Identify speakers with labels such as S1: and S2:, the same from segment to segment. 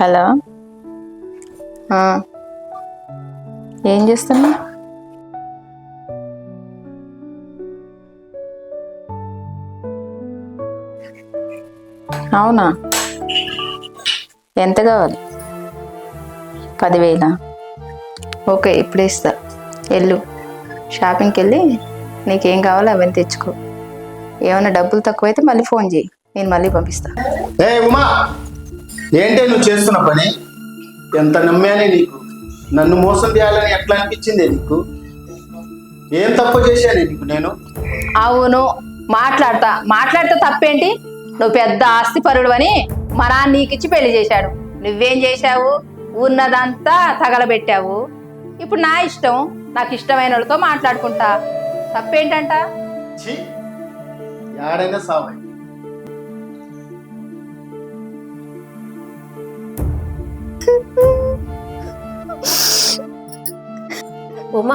S1: Hello. ఏం చేస్తున్నా? అవునా, ఎంత కావాలి? 10,000? ఓకే, ఇప్పుడే ఇస్తా. వెళ్ళు, షాపింగ్కి వెళ్ళి నీకేం కావాలో అవన్నీ తెచ్చుకో. ఏమైనా డబ్బులు తక్కువైతే మళ్ళీ ఫోన్ చేయి, నేను మళ్ళీ పంపిస్తా.
S2: ఏ ఉమా, ఏంటే నువ్వు చేస్తున్న పని? ఎంత నమ్మానే నీకు. నన్ను మోసం చేయాలని ఎట్లా అనిపించిందే నీకు? ఏం తప్పు చేశానే నీకు నేను?
S1: అవును, మాట్లాడితే తప్పేంటి? నువ్వు పెద్ద ఆస్తిపరుడు అని మా నాన్న నీకిచ్చి పెళ్లి చేశాడు. నువ్వేం చేశావు? ఉన్నదంతా తగలబెట్టావు. ఇప్పుడు నా ఇష్టం, నాకు ఇష్టమైన వాళ్ళతో మాట్లాడుకుంటా. తప్పేంటంట?
S2: ఛీ, యాడైనా సావై.
S3: ఉమా,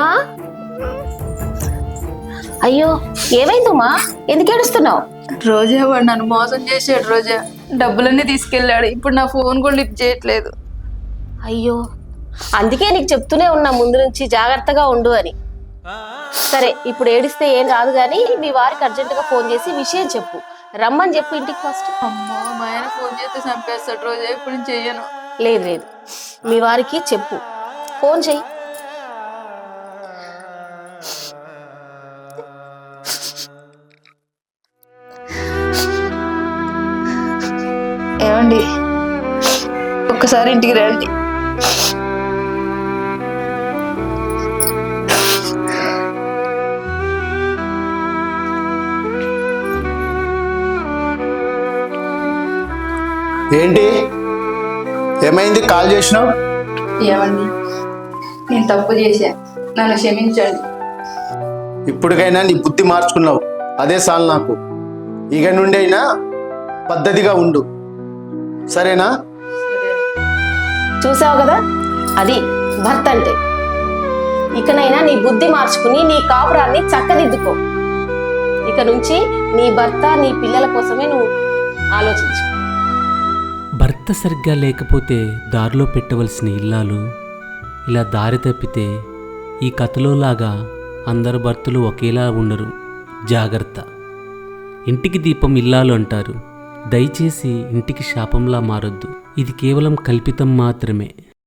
S3: అయ్యో ఏమైంది ఉమా? ఎందుకు ఏడుస్తున్నావు?
S1: రోజా వాడు నన్ను మోసం చేశాడు. రోజా డబ్బులన్నీ తీసుకెళ్ళాడు. ఇప్పుడు నా ఫోన్ కూడా లిఫ్ట్ చేయట్లేదు.
S3: అయ్యో, అందుకే నీకు చెప్తూనే ఉన్నా ముందు నుంచి జాగ్రత్తగా ఉండు అని. సరే, ఇప్పుడు ఏడిస్తే ఏం రాదు కానీ మీ వారికి అర్జెంటుగా ఫోన్ చేసి విషయం చెప్పు. రమ్మని చెప్పు ఇంటికి ఫస్ట్.
S1: అమ్మో, మా ఆయన ఫోన్ చేస్తే చంపేస్తాడు. రోజా ఇప్పుడు నేను చెయ్యను.
S3: లేదు లేదు, మీ వారికి చెప్పు, ఫోన్ చెయ్యి.
S1: ఏమండి, ఒక్కసారి ఇంటికి రండి.
S2: ఏంటి, ఏమైంది? కాల్ చేసినావు?
S1: ఏమండి, నేను తప్పు చేశా, నన్ను క్షమించండి.
S2: ఇప్పటికైనా నీ బుద్ధి మార్చుకున్నావు, అదే చాలు నాకు. ఇక నుండి అయినా పద్ధతిగా ఉండు, సరేనా?
S3: చూసావు కదా, అది భర్త అంటే. ఇకనైనా నీ బుద్ధి మార్చుకుని నీ కాపురాన్ని చక్కదిద్దుకో. ఇక నుంచి నీ భర్త నీ పిల్లల కోసమే నువ్వు ఆలోచించు.
S4: భర్త సరిగ్గా లేకపోతే దారిలో పెట్టవలసిన ఇల్లాలు ఇలా దారి తప్పితే ఈ కథలో లాగా అందరు భర్తలు ఒకేలా ఉండరు. జాగ్రత్త. ఇంటికి దీపం ఇల్లాలు అంటారు. దయచేసి ఇంటికి శాపంలా మారొద్దు. ఇది కేవలం కల్పితం మాత్రమే.